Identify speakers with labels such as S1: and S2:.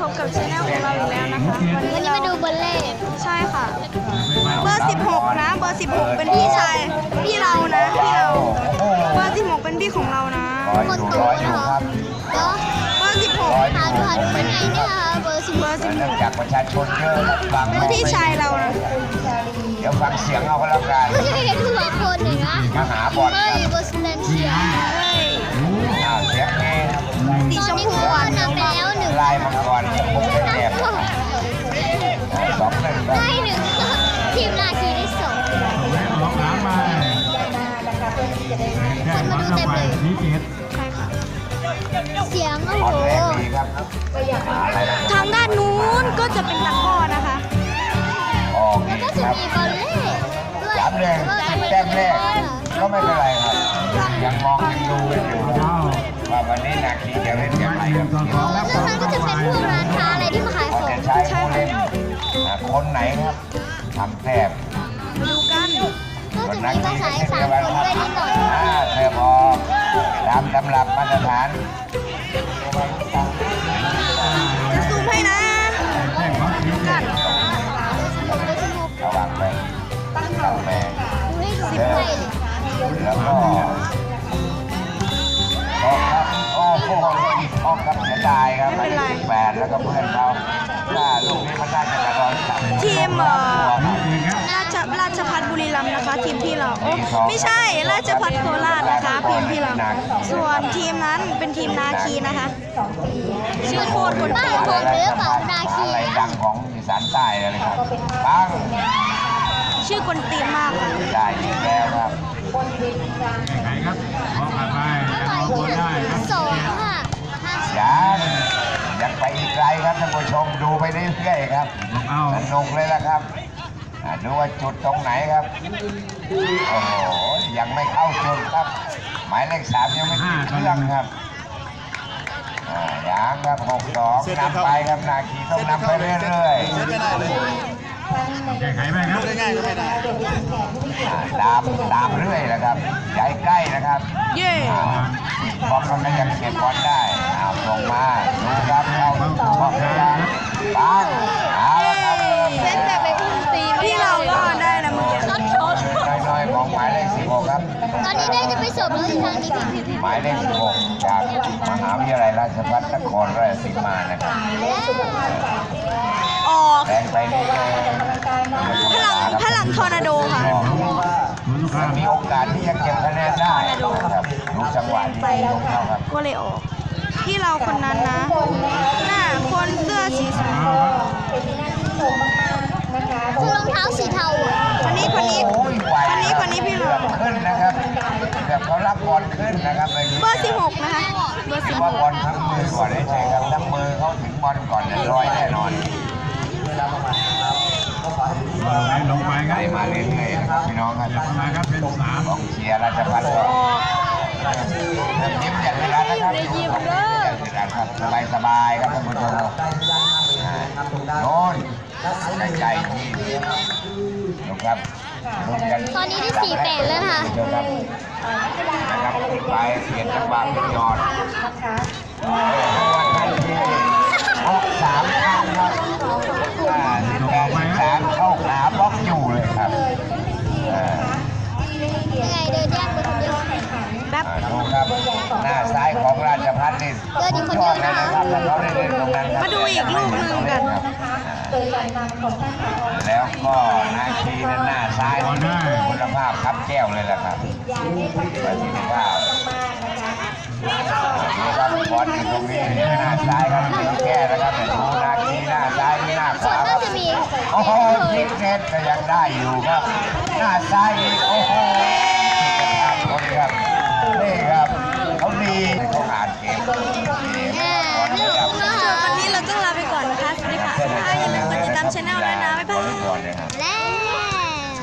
S1: บกับชาแนลของเราอีกแล้วนะคะ
S2: วันนี้มาดูบอลเล่
S1: ใช่ค่ะเบอร์16นะเบอร์16เป็นพี่ชายพี่เรานะพี่เราเบอร์16เป็นพี่ของเรานะ
S2: คนโตนะคะก็
S1: เบอร์16
S2: หาดูเป็นไงเนี่ยคะเบอร์16
S3: จากประชาชนเยอะฟัง
S1: เป็นพี่ชายเรานะ
S3: เดี๋ยวฟังเสียงเอาก็แล้วกัน
S2: ก็จะเห็นหัวคนหนึ่งนะ
S3: มาหาบอล
S2: เฮ้ยเบอร์สแตนเชีย
S3: เสียงเอง
S1: สี
S2: ตอน
S1: ชม
S2: นี้
S1: พู
S2: คือ
S1: อ่ะ
S2: นำไปแล้วหนึ่ง
S3: ลายมังกรผมเป็นแอบ2-1ครับ
S2: ได้หนึ่งทีมนาคีได้สองคนมาดูเต็มเลย
S1: ใช่ค่ะ
S2: เสียงโอ้
S3: บอล
S2: โห
S3: แรกดีครับอะไรนะ
S1: ทางด้านนู้นก็จะเป็นตะกร้อนะคะ
S3: ออก
S2: แล้วก็
S3: ค
S2: จะ
S3: รับ
S2: มีบอลเล่ด้วย
S3: 3-1แต้มแรกก็ไม่เป็นไรครับยังมองยังดูกันอยู่ว่าวันนี้นาคีจะเล่นอย่างไรครับ
S2: แล้วมันก็จะเป็นพวกร้านค้าอะไรที่มาขายของ
S3: จะใช้ผู้เล่นคนไหนครับทำแต้ม
S1: มาดูกัน
S2: ก็จะมีภาษาอีสานคนด้วยนิดหน่อย
S3: เธอพอตามตำรับมาตรฐาน
S1: จะซูมให้นะดูกัน
S3: ระวังไปตั้งแปลง
S2: ให้ดูสิบไพ่เลย
S3: แล้วก็ออกครับโอ้โหออกครับเสียดายครับ8แล้วก็เพื่อนเขาถ้าลูกนี้มันน่าจะกระโดดต่ำ
S1: ทีมราชพัฒบุรีรัมย์นะคะทีมพี่เราโอ้ไม่ใช่ราชพัฒโคราชนะคะทีมพี่เราส่วนทีมนั้นเป็นทีมนาคีนะคะชื่อโคตรคน
S2: บ้า
S1: เตี้ย
S2: ผมหรือเปล่านาคี
S3: อะไรดังของอีสานใต้อะไรครับปัง
S1: ชื่อกวนตีนมากค่ะ
S3: ได้อีกแล้วครับ
S4: ไหนครับมองผ่านไป
S2: ต่อย
S4: มอง
S2: ที่
S4: ได้ครับ
S2: สองค่ะ
S3: ยังไปอีกไกลครับท่านผู้ชมดูไปเรื่อยๆครับ
S4: เอา
S3: สนุกเลยละครับดูว่าจุดตรงไหนครับโอ้โหยังไม่เข้าจุดครับ หมายเลข3ยังไม่ติดเครื่องครับยังครับ6-2นำไปครับนาคีต้องนำไปเรื่อยๆ
S4: แก้ไขไหมครับ
S3: ตามเรื่อยนะครับใจใกล้นะครับ
S1: เย่
S3: บอลมันก็ยังเก็บบอลได้ส่งมาดูครับเข้าบอลยังปังเอาละครับเริ่ม
S1: เซตแบบเป็นตีพี่เราก็ได้นะเมื่อกี้
S2: ช็อตช็อต
S3: น้อยๆของหมายเลข16ครับ
S2: ตอนนี้ได้จะไปสอบแล้วทางนี้พี่
S3: หมายเลข16จากมหาวิทยาลัยราชภัฏนครราชสีมานะครับ
S1: ออก
S3: แรงไปนี่
S1: พลังทอร์นาโดค่ะ
S3: มีโอกาสที่จะเก็บคะแนนได้นะครับดูจังหวะที่ลงเข้าครับ
S1: ก็เลยออกพี่เราคนนั้นนะหน้าคนเสื้อสีชมพู
S2: คือรองเท้าสีเทาอ่ะ
S1: คนนี้
S3: โอ้ยไหว
S1: พี่
S3: เกื
S1: เรา
S3: อบขึ้นนะครับเกือบเขารับบอลขึ้นนะครับ
S1: เบอร์16นะคะเบอร์
S3: ว่าบอลทั้งมือก่อนได้ใช่ครับทั้งมือเขาถึงบอลก่อนร้อยแน่นอน
S4: ลงไปค
S3: ไหล
S4: รับ
S3: มาเรื่อยๆนะครับพี่น้องครับ
S4: หยับมาครับเป็น3
S3: กองเชียร์ราชพัฒน์ก็ยิ้มอย่างเวลานะครับยิ้มเลยครับสบายๆครับท่านผู้ชมโน่นใกล้ๆที่ดูครับ
S2: ตอนนี้ได้4-8แล้วนะคะ
S3: นะครับไปเปลี่ยนจังหวะเป็นยอด6-3ครับ18-13เข้าขาบล็อกอยู่เลยครับ
S2: ยังไงเดินแยกไปคนเดียว
S1: แป๊บ
S3: ดูครับหน้าซ้ายของราชพัฒน์นี่สุดยอดเลยนะครับเขาได้เล่นตรงนั้นครับ
S1: มาดูอีกลูกหนึ่งกัน
S3: แล้วก็นาคีนั้นหน้าซ้ายนี่คุณภาพครับแก้วเลยแหละครับประสิทธิภาพดูครับบอลอยู่ตรงนี้หน้าซ้ายครับแก้นะครับดูนาคีหน้าซ้ายหน้าข
S2: ส่วน
S3: วาค
S2: น่า
S3: รับ
S2: จะมี
S3: โอ้โหยิงเน็ตก็ยังได้อยู่ครับ หน้าซ้ายอีกโอ้โหคนครับนี่ครับ